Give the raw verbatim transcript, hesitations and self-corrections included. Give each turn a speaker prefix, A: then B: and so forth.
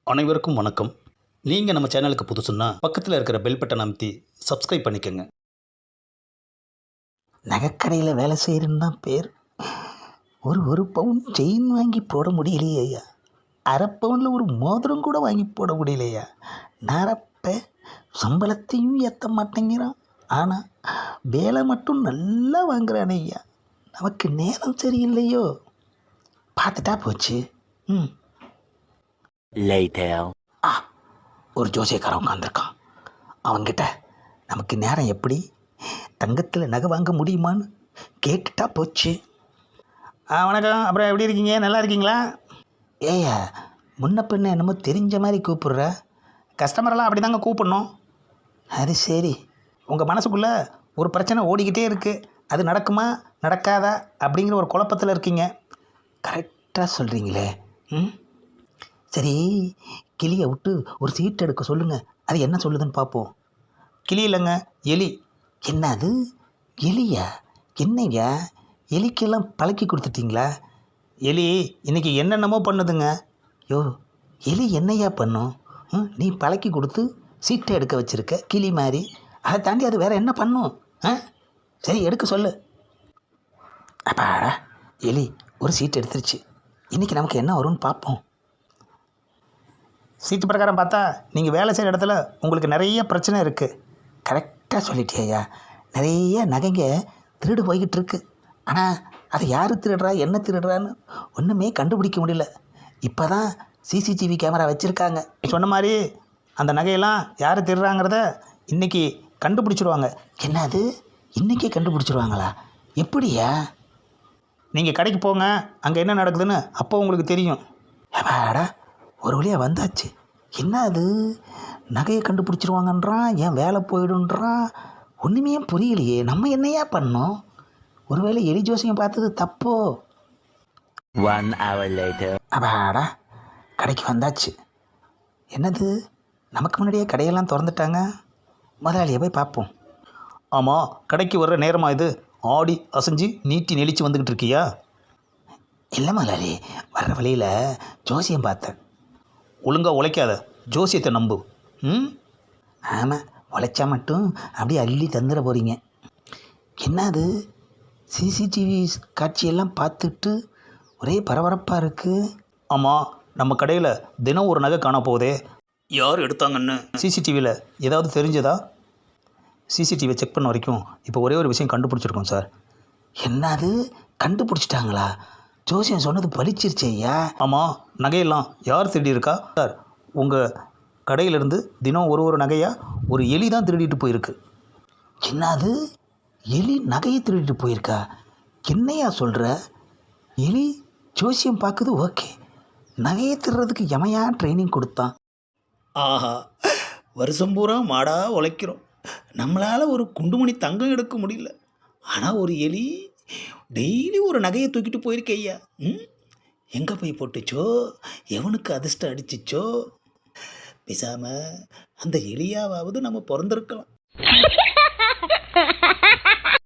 A: அனைவருக்கும் வணக்கம். நீங்கள் நம்ம சேனலுக்கு புதுசுன்னா பக்கத்தில் இருக்கிற பெல் பட்டன் அமைத்தி சப்ஸ்கிரைப் பண்ணிக்கோங்க.
B: நகைக்கடையில் வேலை செய்கிறேன்னு தான் பேர். ஒரு ஒரு பவுன் செயின் வாங்கி போட முடியலையே ஐயா. அரை பவுனில் ஒரு மோதிரம் கூட வாங்கி போட முடியலையா. நரப்ப சம்பளத்தையும் ஏற்ற மாட்டேங்கிறான். ஆனால் வேலை மட்டும் நல்லா வாங்குறானே ஐயா. நமக்கு நேரம் சரியில்லையோ. பார்த்துட்டா போச்சு. ம்
C: Later.
B: ஆ ஒரு ஜோசியக்காரன் உட்காந்துருக்கான். அவன்கிட்ட நமக்கு நேரம் எப்படி, தங்கத்தில் நகை வாங்க முடியுமான்னு கேட்டுட்டா போச்சு.
A: ஆ வணக்கம். அப்புறம் எப்படி இருக்கீங்க? நல்லா இருக்கீங்களா?
B: ஏயா முன்ன பின்ன என்னமோ தெரிஞ்ச மாதிரி கூப்பிடுற.
A: கஸ்டமரெல்லாம் அப்படி தாங்க கூப்பிடணும்.
B: அது சரி.
A: உங்கள் மனசுக்குள்ளே ஒரு பிரச்சனை ஓடிக்கிட்டே இருக்குது. அது நடக்குமா நடக்காதா அப்படிங்கிற ஒரு குழப்பத்தில் இருக்கீங்க.
B: கரெக்டாக சொல்கிறீங்களே. ம் சரி, கிளியை விட்டு ஒரு சீட் எடுக்க சொல்லுங்கள். அது என்ன சொல்லுதுன்னு பார்ப்போம்.
A: கிளி இல்லைங்க, எலி.
B: என்ன அது எலியா? என்னங்க எலிக்கெல்லாம் பழக்கி கொடுத்துட்டீங்களா?
A: எலி இன்றைக்கி என்னென்னமோ பண்ணுதுங்க.
B: யோ எலி என்னையா பண்ணும்? ம் நீ பழக்கி கொடுத்து சீட்டை எடுக்க வச்சுருக்க கிளி மாதிரி. அதை தாண்டி அது வேறு என்ன பண்ணும்? ஆ சரி எடுக்க சொல்லு. அப்பாடா, எலி ஒரு சீட் எடுத்துருச்சு. இன்றைக்கி நமக்கு என்ன வரும்னு பார்ப்போம்.
A: சீட்டு பிரகாரம் பார்த்தா நீங்கள் வேலை செய்கிற இடத்துல உங்களுக்கு நிறைய பிரச்சனை இருக்குது.
B: கரெக்டாக சொல்லிட்டியா. நிறைய நகைங்க திருடு போய்கிட்டு இருக்கு. ஆனால் அதை யார் திருடுறா என்ன திருடுறான்னு ஒன்றுமே கண்டுபிடிக்க முடியல. இப்போ தான் சிசிடிவி கேமரா வச்சுருக்காங்க.
A: சொன்ன மாதிரி அந்த நகையெல்லாம் யார் திருடுறாங்கிறத இன்றைக்கி கண்டுபிடிச்சிடுவாங்க.
B: என்னது இன்றைக்கே கண்டுபிடிச்சிருவாங்களா? எப்படியா?
A: நீங்கள் கடைக்கு போங்க, அங்கே என்ன நடக்குதுன்னு அப்போ உங்களுக்கு தெரியும்.
B: ஏப்பாடா ஒரு வழியாக வந்தாச்சு. என்ன அது நகையை கண்டுபிடிச்சிருவாங்கன்றான், ஏன் வேலை போயிடுன்றான். ஒன்றுமே புரியலையே. நம்ம என்னையா பண்ணோம்? ஒருவேளை எலி ஜோசியம் பார்த்தது தப்போ?
C: One hour later.
B: அப்பாடா கடைக்கு வந்தாச்சு. என்னது நமக்கு முன்னாடியே கடையெல்லாம் திறந்துட்டாங்க. முதலாளியை போய் பார்ப்போம்.
A: ஆமாம், கடைக்கு வர்ற நேரமாக இது. ஆடி அசைஞ்சு நீட்டி நெளிச்சு வந்துக்கிட்டு இருக்கியா?
B: இல்லை முதலாளி, வர்ற வழியில் ஜோசியம் பார்த்தேன்.
A: ஒழுங்காக உழைக்காத, ஜோசியத்தை நம்பு. ம்
B: ஆமாம், உழைச்சா மட்டும் அப்படியே அள்ளி தந்துட போகிறீங்க. என்ன அது சிசிடிவி காட்சியெல்லாம் பார்த்துட்டு ஒரே பரபரப்பாக இருக்குது.
A: ஆமாம், நம்ம கடையில் தினம் ஒரு நகை காண போகுதே. யார் எடுத்தாங்கன்னு சிசிடிவியில் ஏதாவது தெரிஞ்சதா? சிசிடிவியை செக் பண்ண வரைக்கும் இப்போ ஒரே ஒரு விஷயம் கண்டுபிடிச்சிருக்கோம் சார்.
B: என்னது கண்டுபிடிச்சிட்டாங்களா? ஜோசியம் சொன்னது பலிச்சிருச்சு ஐயா.
A: ஆமாம், நகையெல்லாம் யார் திருடி இருக்கா சார்? உங்கள் கடையிலேருந்து தினம் ஒரு ஒரு நகையாக ஒரு எலி தான் திருடிட்டு போயிருக்கு.
B: என்னது எலி நகையை திருடிட்டு போயிருக்கா? என்னையா சொல்கிற? எலி ஜோசியம் பார்க்குது ஓகே, நகையை திருடுறதுக்கு எமையா ட்ரைனிங் கொடுத்தான்?
A: ஆஹா, வருஷம் பூரா மாடாக உழைக்கிறோம், நம்மளால் ஒரு குண்டுமணி தங்கம் எடுக்க முடியல. ஆனால் ஒரு எலி டெய்லி ஒரு நகையை தூக்கிட்டு போயிருக்க ஐயா. ம் எங்கே போய் போட்டுச்சோ, எவனுக்கு அதிர்ஷ்டம் அடிச்சிச்சோ. பேசாமல் அந்த எலியாவது நம்ம பிறந்திருக்கலாம்.